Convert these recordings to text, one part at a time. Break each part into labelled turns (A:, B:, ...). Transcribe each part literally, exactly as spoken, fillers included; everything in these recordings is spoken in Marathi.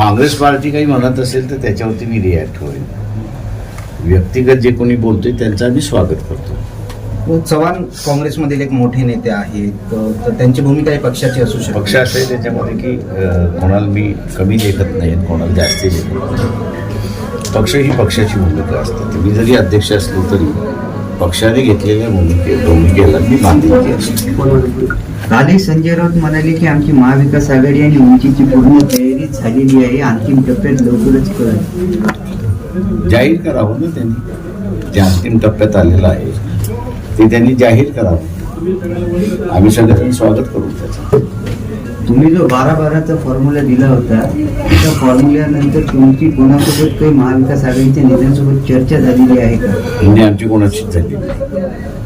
A: काँग्रेस पार्टी काही म्हणत असेल तर त्याच्यावरती मी रिॲक्ट होईल. व्यक्तिगत जे कोणी बोलतोय त्यांचं आम्ही स्वागत करतो.
B: चव्हाण काँग्रेसमधील एक मोठे नेते आहेत, तर त्यांची भूमिका ही पक्षाची असू शकते.
A: पक्ष असं आहे त्याच्यामध्ये की अं, कोणाला मी कमी लेखत नाही, कोणाला जास्ती लेखत नाही. पक्ष ही पक्षाची भूमिका असते. तुम्ही जरी अध्यक्ष असलो तरी पक्षाने घेतलेल्या भूमिके भूमिकेला मी बांधिलकी असते.
C: कालही संजय राऊत म्हणाले की आमची महाविकास आघाडी आणि उंचीची पूर्ण तयारी झालेली आहे, अंतिम टप्प्यात लवकरच कळेल.
A: जाहीर करावं ना त्यांनी, जे अंतिम टप्प्यात आलेलं आहे ते त्यांनी जाहीर करावं. आम्ही सगळ्यांनी स्वागत करू त्याचं.
C: तुम्ही जो बारा बाराचा फॉर्म्युला दिला होता त्या फॉर्म्युल्यानंतर तुमची कोणासोबत काही महाविकास आघाडीच्या नेत्यांसोबत चर्चा झालेली आहे का?
A: म्हणजे आमची कोणाचीच झाली नाही.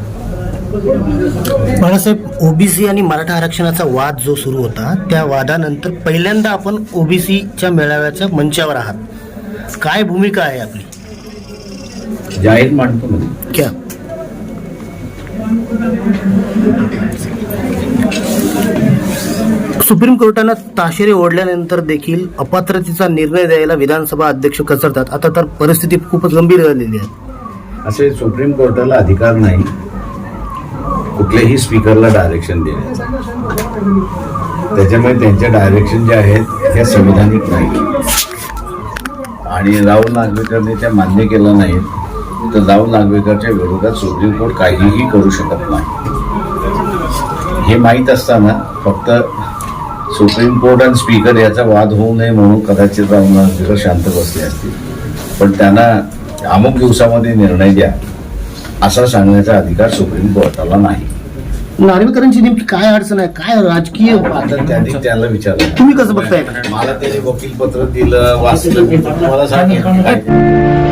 D: बाळासाहेब, ओबीसी आणि मराठा आरक्षणाचा वाद जो सुरू होता त्या वादानंतर पहिल्यांदा आपण ओबीसीच्या मेळाव्याच्या मंचावर आहात. काय भूमिका आहे आपली?
A: जाहीर मांडतो म्हणजे
D: क्या सुप्रीम कोर्टानं ताशेरे ओढल्यानंतर देखील अपात्रतेचा निर्णय द्यायला विधानसभा अध्यक्ष कचरतात. आता तर परिस्थिती खूपच गंभीर झालेली आहे.
A: असे सुप्रीम कोर्टाला अधिकार नाही कुठल्याही स्पीकरला डायरेक्शन देण्याचा. त्याच्यामुळे त्यांचे डायरेक्शन जे आहेत हे संविधानिक नाही आणि राहुल नागवेकरने त्या मान्य केलं नाही तर राहुल नागवेकरच्या विरोधात सुप्रीम कोर्ट काहीही करू शकत नाही. हे माहीत असताना फक्त सुप्रीम कोर्ट आणि स्पीकर याचा वाद होऊ नये म्हणून कदाचित राहुल नागवेकर शांत बसले असतील, पण त्यांना अमुक दिवसामध्ये निर्णय द्या असा सांगण्याचा अधिकार सुप्रीम कोर्टाला नाही.
D: नार्वेकरांची नेमकी काय अडचण आहे? काय राजकीय
A: आता त्यांनी त्याला विचारलं.
D: तुम्ही कसं बघताय?
A: मला त्याने वकीलपत्र दिलं, वाचलं, मी तुम्हाला सांगेन काय.